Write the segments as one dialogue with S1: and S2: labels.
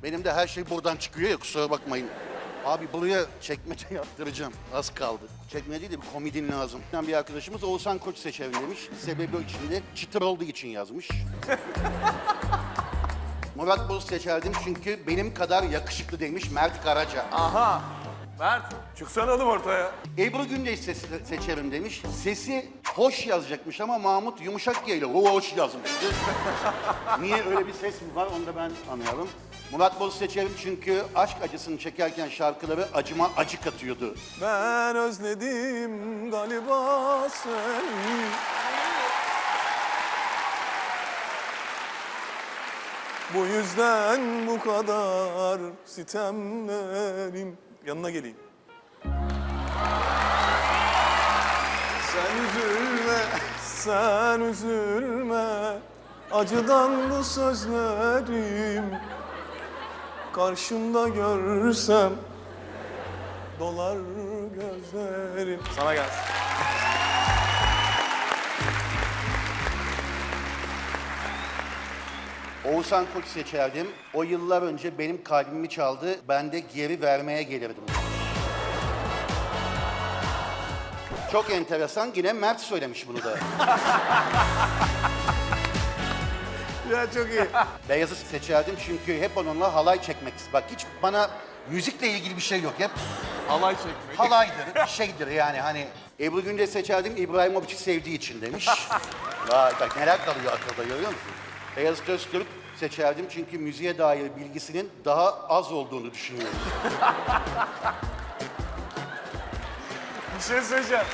S1: Benim de her şey buradan çıkıyor ya, kusura bakmayın. Abi buraya çekmece yaptıracağım. Az kaldı. Çekmece değil de bir komodin lazım. Bir arkadaşımız Oğuzhan Koç seçerim demiş. Sebebi o içinde çıtır olduğu için yazmış. Murat Boz seçerdim çünkü benim kadar yakışıklı demiş Mert Karaca.
S2: Aha. Mert, çıksana oğlum ortaya.
S1: Ebru Gündeş seçerim demiş. Sesi hoş yazacakmış ama Mahmut yumuşak G ile hoş yazmıştı. Niye öyle bir ses mi var onu da ben anlayalım. Murat Boz seçerim çünkü aşk acısını çekerken şarkıları acıma acı katıyordu.
S2: Ben özledim galiba seni. Bu yüzden bu kadar sitemlerim. Yanına geleyim. Sen üzülme, sen üzülme. Acıdan bu sözlerim. Karşımda görsem dolar gözlerim. Sana gelsin.
S1: Oğuzhan Koç seçerdim. O yıllar önce benim kalbimi çaldı. Ben de geri vermeye gelirdim. Çok enteresan. Yine Mert söylemiş bunu da.
S2: Ya çok iyi.
S1: Beyaz'ı seçerdim çünkü hep onunla halay çekmek istedim. Bak hiç bana müzikle ilgili bir şey yok. Hep
S2: Halay çekmek.
S1: halaydır, bir şeydir yani hani. Ebru Gündeş seçerdim İbrahimovic'i sevdiği için demiş. Vay bak neler kalıyor akılda, görüyor musun? Beyazıt Öztürk seçerdim çünkü müziğe dair bilgisinin daha az olduğunu düşünüyorum.
S2: Bir şey söyleyeceğim.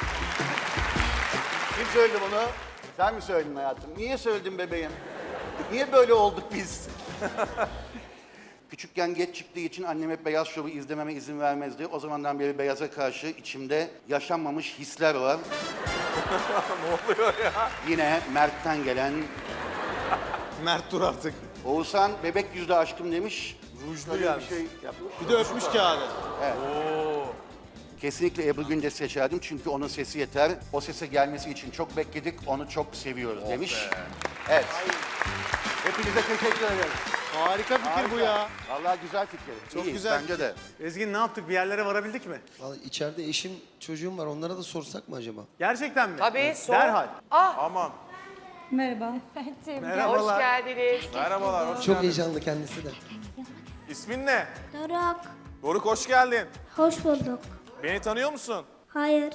S1: Kim söyledi bunu? Sen mi söyledin hayatım? Niye söyledin bebeğim? Niye böyle olduk biz? Küçükken geç çıktığı için annem hep Beyaz Şov'u izlememe izin vermezdi. O zamandan beri Beyaz'a karşı içimde yaşanmamış hisler var.
S2: Ne oluyor ya?
S1: Yine Mert'ten gelen
S2: Mert dur artık.
S1: Oğuzhan bebek yüzlü aşkım demiş.
S2: Rujlu
S1: Böyle
S2: gelmiş.
S1: bir şey yapmış.
S3: Bir de öpmüş kağıdı.
S1: Kesinlikle Ebru Gündeş seçerdim çünkü onun sesi yeter. O sese gelmesi için çok bekledik, onu çok seviyoruz demiş. Evet. Hepinize teşekkür ederim.
S3: Harika fikir bu ya.
S1: Vallahi güzel fikir.
S3: Çok
S1: İyi,
S3: güzel
S1: bence de.
S4: Ezgin ne yaptık? Bir yerlere varabildik mi?
S5: Vallahi içeride eşim, çocuğum var. Onlara da sorsak mı acaba?
S4: Gerçekten mi?
S6: Tabii, sor.
S4: Derhal.
S2: Aman.
S7: Merhaba.
S6: Hoş
S4: Merhabalar.
S6: geldiniz.
S2: Merhabalar, hoş
S5: Çok
S2: geldin.
S5: heyecanlı kendisi de.
S2: İsmin ne?
S7: Doruk.
S2: Doruk, hoş geldin.
S7: Hoş bulduk.
S2: Beni tanıyor musun?
S7: Hayır.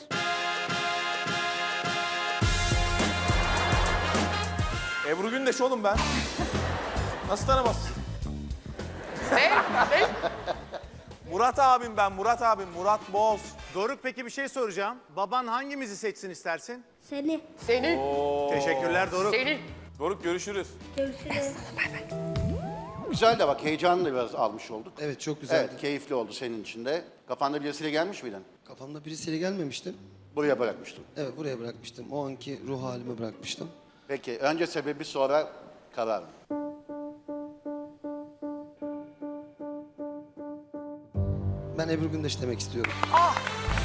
S2: Ebru Gündeş oğlum ben. Nasıl tanımazsın?
S6: Ne?
S2: Murat abim ben, Murat abim, Murat Boz.
S4: Doruk peki bir şey soracağım. Baban hangimizi seçsin istersin?
S7: Seni.
S6: Seni.
S4: Teşekkürler Doruk.
S6: Seni.
S2: Doruk görüşürüz.
S7: Görüşürüz.
S1: Güzel de bak heyecanını da biraz almış olduk.
S5: Evet çok güzeldi.
S1: Evet, keyifli oldu senin için de. Kafanda birisiyle gelmiş miydin?
S5: Kafamda birisiyle gelmemiştim.
S1: Buraya bırakmıştım.
S5: Evet buraya bırakmıştım. O anki ruh halimi bırakmıştım.
S1: Peki, önce sebebi sonra karar.
S5: Ben Ebru Gündeş demek istiyorum.